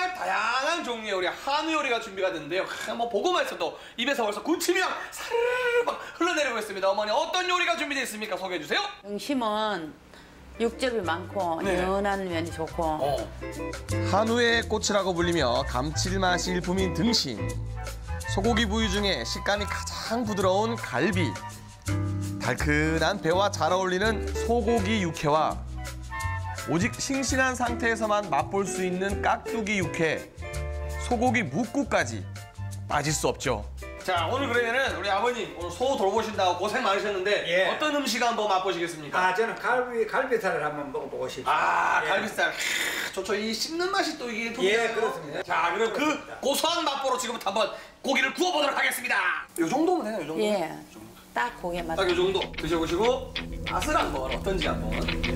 정말 다양한 종류의 우리 한우 요리가 준비가 됐는데요. 뭐 보고만 있어도 입에서 벌써 군침이 막 사르르 막 흘러내리고 있습니다. 어머니 어떤 요리가 준비되어 있습니까? 소개해 주세요. 등심은 육즙이 많고 네. 연한 면이 좋고 한우의 꽃이라고 불리며 감칠맛이 일품인 등심. 소고기 부위 중에 식감이 가장 부드러운 갈비. 달큰한 배와 잘 어울리는 소고기 육회와 오직 싱싱한 상태에서만 맛볼 수 있는 깍두기 육회, 소고기 묵국까지 빠질 수 없죠. 자, 오늘 그러면은 우리 아버님 오늘 소 돌보신다고 고생 많으셨는데 예. 어떤 음식 한번 맛보시겠습니까? 저는 갈비살을 한번 먹어보고 싶어요. 예. 갈비살. 좋죠. 이 씹는 맛이 또 이게 예, 그렇습니다. 자, 그럼 그 고소한 맛보로 지금부터 한번 고기를 구워보도록 하겠습니다. 요 정도면 되나요? 요 정도? 예. 딱 고개 맞. 딱 요 정도 드셔보시고 맛을 한번 어떤지 한번.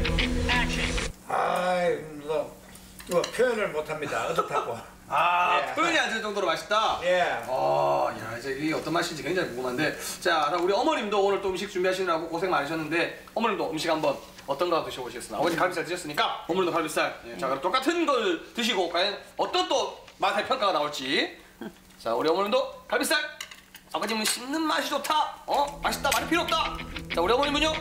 이거 표현을 못합니다. 어떻다고. 예. 표현이 안 될 정도로 맛있다. 예. 야, 이제 이게 어떤 맛인지 굉장히 궁금한데. 자, 그럼 우리 어머님도 오늘 또 음식 준비하시느라고 고생 많으셨는데 어머님도 음식 한번 어떤 거 드셔보시겠습니까? 아버지 갈비살 드셨으니까 어머님도 갈비살. 예, 자, 그럼 똑같은 걸 드시고 과연 어떤 또 맛의 평가가 나올지. 자, 우리 어머님도 갈비살. 아버님은 씹는 맛이 좋다. 맛있다. 말이 필요 없다. 자, 우리 어머님은요?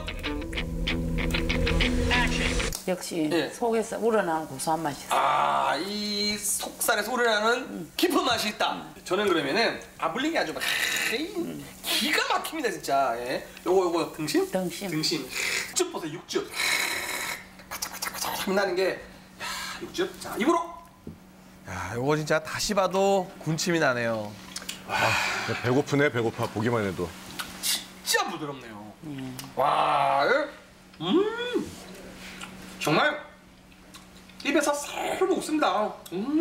역시 예. 속에서 우러나는 고소한 맛이 있어. 이 속살에서 우러나는 깊은 맛이 있다. 저는 그러면은 아블링이 아주 막 기가 막힙니다 진짜. 예. 요거 등심? 등심. 육즙 보세요 육즙. 바짝바짝 나는 게 육즙. 자 입으로. 야, 이거 진짜 다시 봐도 군침이 나네요. 배고프네, 배고파. 보기만 해도. 진짜 부드럽네요. 와, 정말 입에서 살살 녹습니다.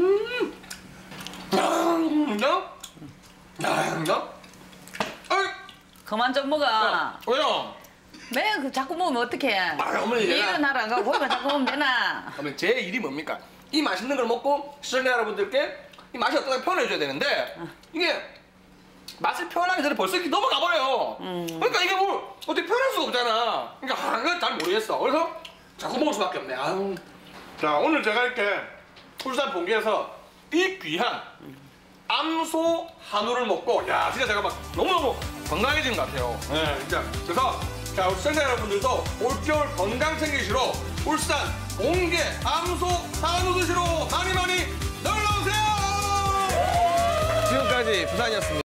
그만 좀 먹어. 왜요? 매그 자꾸 먹으면 어떡해. 어머니, 일은 하러 안 가고 고기만 자꾸 먹으면 되나. 그러면 제 일이 뭡니까? 이 맛있는 걸 먹고 시청자 여러분들께 이 맛이 어떤가 표현해줘야 되는데 이게 맛을 표현하기 전에 벌써 이렇게 넘어가 버려요. 그러니까 이게 뭘 어떻게 표현할 수가 없잖아. 그러니까 그걸 잘 모르겠어. 그래서 자꾸 먹을 수밖에 없네. 아유. 자, 오늘 제가 이렇게 울산 본계에서 이 귀한 암소 한우를 먹고 야 진짜 제가 막 너무너무 건강해진 것 같아요. 네, 진짜. 그래서 자, 우리 시청자 여러분들도 올겨울 건강 챙기시러 울산 본계 암소 한우 드시러 많이 놀러오세요. 지금까지 부산이었습니다.